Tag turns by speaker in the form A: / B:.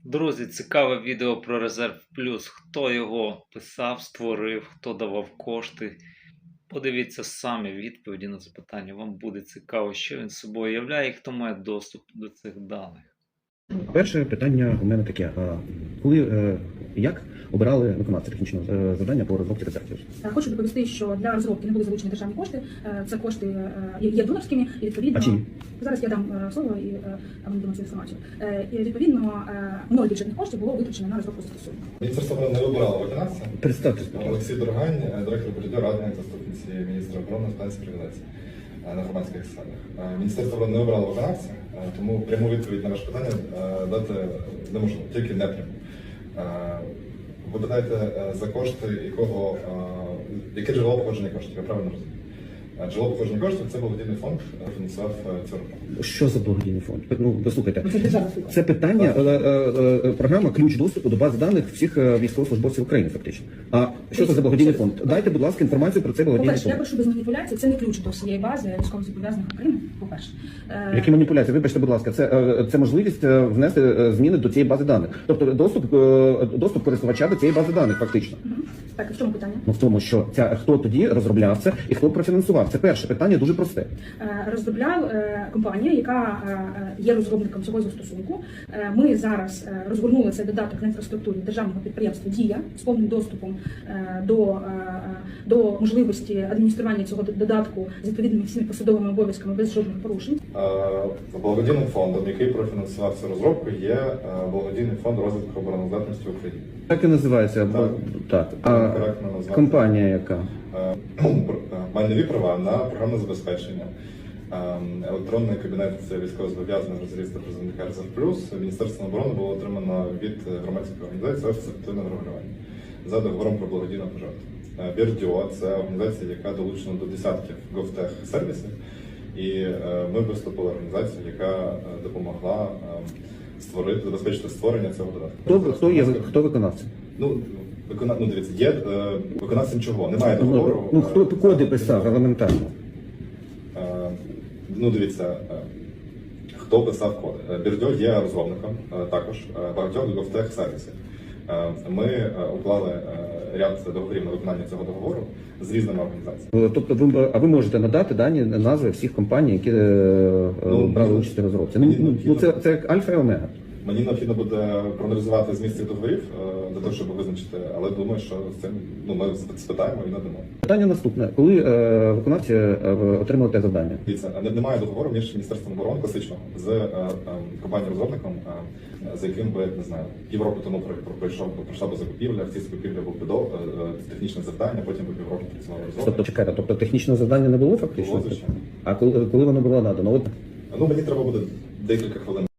A: Друзі, цікаве відео про Резерв Плюс. Хто його писав, створив, хто давав кошти. Подивіться самі відповіді на запитання. Вам буде цікаво, що він собою являє і хто має доступ до цих даних.
B: Перше питання у мене таке. Коли, як обирали виконавця технічного завдання по розробці резервів?
C: Хочу доповісти, що для розробки не були залучені державні кошти. Це кошти є донорськими і відповідно...
B: А чиї?
C: Зараз я дам слово і вам дам цю інформацію. І відповідно 0 бюджетних коштів було витрачено на розробку застосунку.
D: Міністерство оборони не вибирало виконавця.
B: Представтесь.
D: Олексій Дорогань, директор політики, радник заступниці міністра оборони з питань привілегій на громадських засадах. Міністерство оборони не вибирало виконавця, тому пряму відповідь на ваше питання дати неможливо, тільки непряму. Ви питаєте, за кошти якого, яке джерело походження коштів, я правильно розумію? Джерело походження коштів – це благодійний фонд, фінансував цю роботу.
B: Що за благодійний фонд? Ну, послухайте,
C: Це державна служба.
B: це питання, програма «Ключ доступу до бази даних всіх військовослужбовців України», фактично. А що це за благодійний фонд? Дайте, будь ласка, інформацію про цей благодійний
C: По-перше, я
B: фонд.
C: прошу без маніпуляцій, це не ключ до всієї бази військовозобов'язаних України, по-перше.
B: Які маніпуляції? Вибачте, будь ласка, це можливість внести зміни до цієї бази даних. Тобто доступ користувача до цієї бази даних, фактично.
C: Так, в чому питання?
B: Ну, в тому, що хто тоді розробляв це і хто профінансував. Це перше питання, дуже просте.
C: Розробляв компанія, яка є розробником цього застосунку. Ми зараз розгорнули цей додаток на інфраструктурі державного підприємства «Дія» з повним доступом до можливості адміністрування цього додатку з відповідними всіми посадовими обов'язками без жодних порушень.
D: Благодійним фондом, який профінансував цю розробку, є благодійний фонд розвитку обороноздатності України.
B: Так і називається. Так. А компанія яка?
D: Майнові права на програмне забезпечення. Електронний кабінет військовозобов'язаних розрізу та призовника «Резерв Плюс» Міністерством оборони було отримано від громадської організації «Офіс активного регулювання» за договором про благодійну пожертву. Бірдіо – це організація, яка долучена до десятків GovTech-сервісів, і ми виступили організацією, яка допомогла забезпечити створення цього додатку.
B: Хто виконавця?
D: Дивіться, є виконавцем чого? Немає договору.
B: Хто коди писав елементарно?
D: Дивіться, хто писав коди. Бірдьо є розробником також багатьох GovTech сервісів. Ми уклали ряд договорів на виконання цього договору з різними організаціями.
B: Тобто ви можете надати назви всіх компаній, які брали участь у розробці? Це як альфа і омега.
D: Мені необхідно буде проаналізувати зміст цих договорів для того, щоб визначити, але думаю, що з цим ми спитаємо і надамо. Питання
B: наступне. Коли виконавці отримали те завдання?
D: Дивіться, немає договору між Міністерством оборони класичного з компанією-розробником, за яким би, не знаю, півроку тому пройшла би закупівля, в цій закупівлі був технічне завдання, потім би півроку працював розробник.
B: Тобто технічного завдання не було фактично?
D: Було, звичайно.
B: А коли воно було надано?
D: Мені треба буде декілька хвилин.